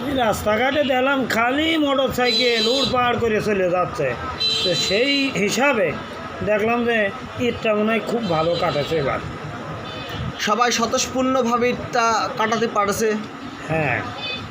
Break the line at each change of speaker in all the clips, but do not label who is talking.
রাস্তাঘাটে দেখলাম খালি মোটর সাইকেল উড়পাড় করে চলে যাচ্ছে। তো সেই হিসাবে দেখলাম যে ঈদটা মনে হয় খুব ভালো কাটেছে এবার।
সবাই স্বতঃস্ফূর্ণভাবে ঈদটা কাটাতে পারছে।
হ্যাঁ,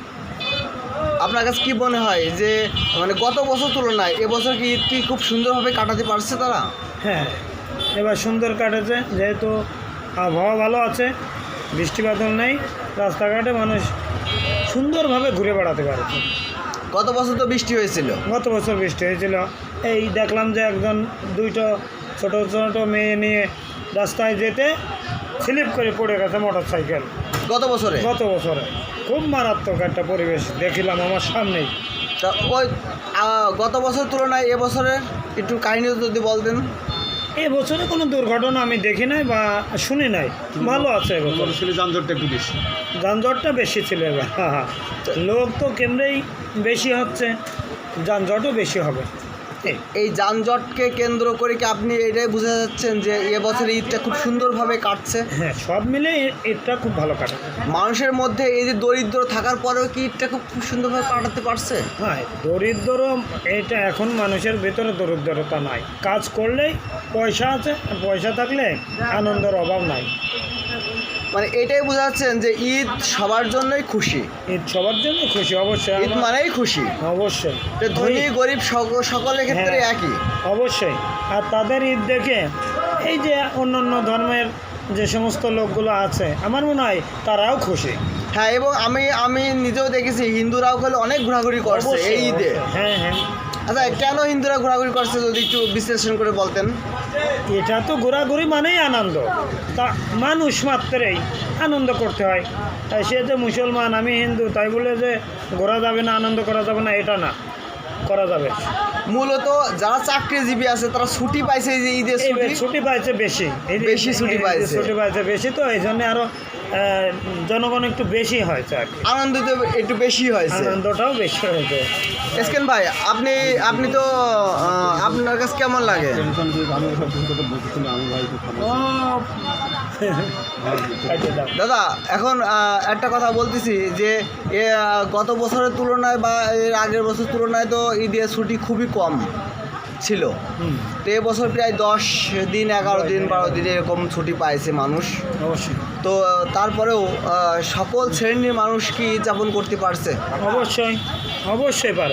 আপনার কাছে কি মনে হয় যে মানে গত বছর তুলনায় এবছর কি ঈদটি খুব সুন্দরভাবে কাটাতে পারছে তারা?
হ্যাঁ, এবার সুন্দর কাটেছে, যেহেতু আবহাওয়া ভালো আছে, বৃষ্টি বাদল নেই, রাস্তাঘাটে মানুষ সুন্দরভাবে ঘুরে বেড়াতে পারছে।
গত বছর তো বৃষ্টি হয়েছিল।
গত বছর বৃষ্টি হয়েছিল, এই দেখলাম যে একজন দুইটা ছোট ছোট মেয়ে নিয়ে রাস্তায় যেতে স্লিপ করে পড়ে গেছে মোটর সাইকেল।
গত বছরে
খুব মারাত্মক একটা পরিবেশ দেখিলাম আমার সামনেই।
তা ওই গত বছর তুলনায় এবছরের একটু কাহিনী যদি বলতেন।
এই বছরে কোনো দুর্ঘটনা আমি দেখি নাই বা শুনি নাই, ভালো আছে এবছর।
যানজটটা একটু বেশি,
যানজটটা বেশি ছিল এবার। লোক তো কেমনেই বেশি হচ্ছে, যানজটও বেশি হবে।
এই যানজটকে কেন্দ্র করে কি আপনি এটাই বোঝা যাচ্ছেন যে এবছর ঈদটা খুব সুন্দরভাবে কাটছে?
হ্যাঁ, সব মিলে ঈদটা খুব ভালো কাটে।
মানুষের মধ্যে এই যে দরিদ্র থাকার পরেও কি ঈদটা খুব সুন্দরভাবে কাটাতে পারছে?
হ্যাঁ, দরিদ্র এটা এখন মানুষের ভিতরে দরিদ্রতা নাই, কাজ করলেই পয়সা আছে, পয়সা থাকলে আনন্দের অভাব নাই।
মানে এটাই বোঝা যাচ্ছেন যে ঈদ সবার জন্যই খুশি।
ঈদ সবার জন্য খুশি, অবশ্যই।
ঈদ মানেই খুশি,
অবশ্যই।
ধনী গরিব সকলের ক্ষেত্রে
হ্যাঁ,
একই।
অবশ্যই। আর তাদের ঈদ দেখে এই যে অন্যান্য ধর্মের যে সমস্ত লোকগুলো আছে, আমার মনে হয় তারাও খুশি।
হ্যাঁ, এবং আমি নিজেও দেখেছি হিন্দুরাও হলে অনেক ঘোরাঘুরি করছে এই ঈদে।
হ্যাঁ হ্যাঁ।
আচ্ছা, কেন হিন্দুরা ঘোরাঘুরি করছে যদি একটু বিশ্লেষণ করে বলতেন।
এটা তো ঘোরাঘুরি মানেই আনন্দ, তা মানুষ মাত্রেই আনন্দ করতে হয়। তাই সে যে মুসলমান, আমি হিন্দু, তাই বলে যে ঘোরা যাবে না, আনন্দ করা যাবে না, এটা না, করা যাবে।
মূলত যারা চাকরিজীবী আছে তারা ছুটি পাইছে, এই যে ঈদের
ছুটি পাইছে বেশি,
ছুটি পাইছে
বেশি, তো এই জন্য আরো জনগণ একটু বেশি হয়েছে আর কি।
আনন্দ তো একটু বেশি হয়েছে,
আনন্দটাও বেশি হয়েছে।
এসকেন ভাই, আপনি তো আপনার কাছে কেমন লাগে? দাদা, এখন একটা কথা বলতেছি যে গত বছরের তুলনায় বা এর আগের বছর তুলনায় তো ঈদের ছুটি খুবই কম ছিল। তো এবছর প্রায় 10 দিন 11 দিন 12 দিন এরকম ছুটি পাইছে মানুষ।
অবশ্যই।
তো তারপরেও সকল শ্রেণীর মানুষ কি যাপন করতে পারছে?
অবশ্যই পারে।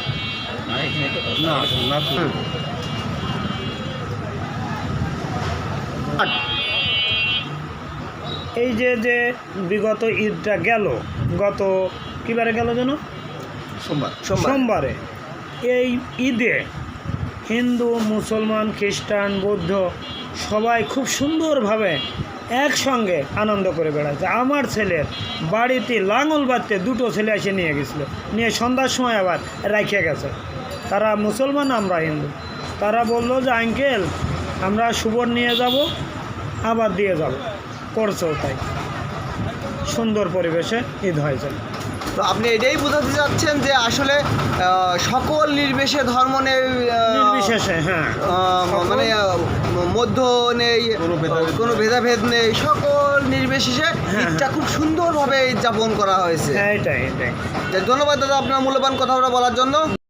এই যে বিগত ঈদটা গেল, গত কিবারে গেল যেন, সোমবারে, এই ঈদে হিন্দু, মুসলমান, খ্রিস্টান, বৌদ্ধ সবাই খুব সুন্দরভাবে একসঙ্গে আনন্দ করে বেড়াচ্ছে। আমার ছেলের বাড়িতে লাঙল বাঁধতে 2টো ছেলে এসে নিয়ে গেছিলো, নিয়ে সন্ধ্যার সময় আবার রেখে গেছে। তারা মুসলমান, আমরা হিন্দু। তারা বললো যে আঙ্কেল, আমরা সুবর নিয়ে যাব, আবার দিয়ে যাব, করছেও তাই। সুন্দর পরিবেশে ঈদ হয়েছে।
তো আপনি এটাই বোঝাতে চাচ্ছেন যে আসলে সকল
নির্বিশেষে, হ্যাঁ,
মানে মধ্য নেই, কোনো ভেদাভেদ নেই, সকল নির্বিশেষে ঈদটা খুব সুন্দরভাবে যাপন করা হয়েছে।
এটাই।
ধন্যবাদ দাদা আপনার মূল্যবান কথাটা বলার জন্য।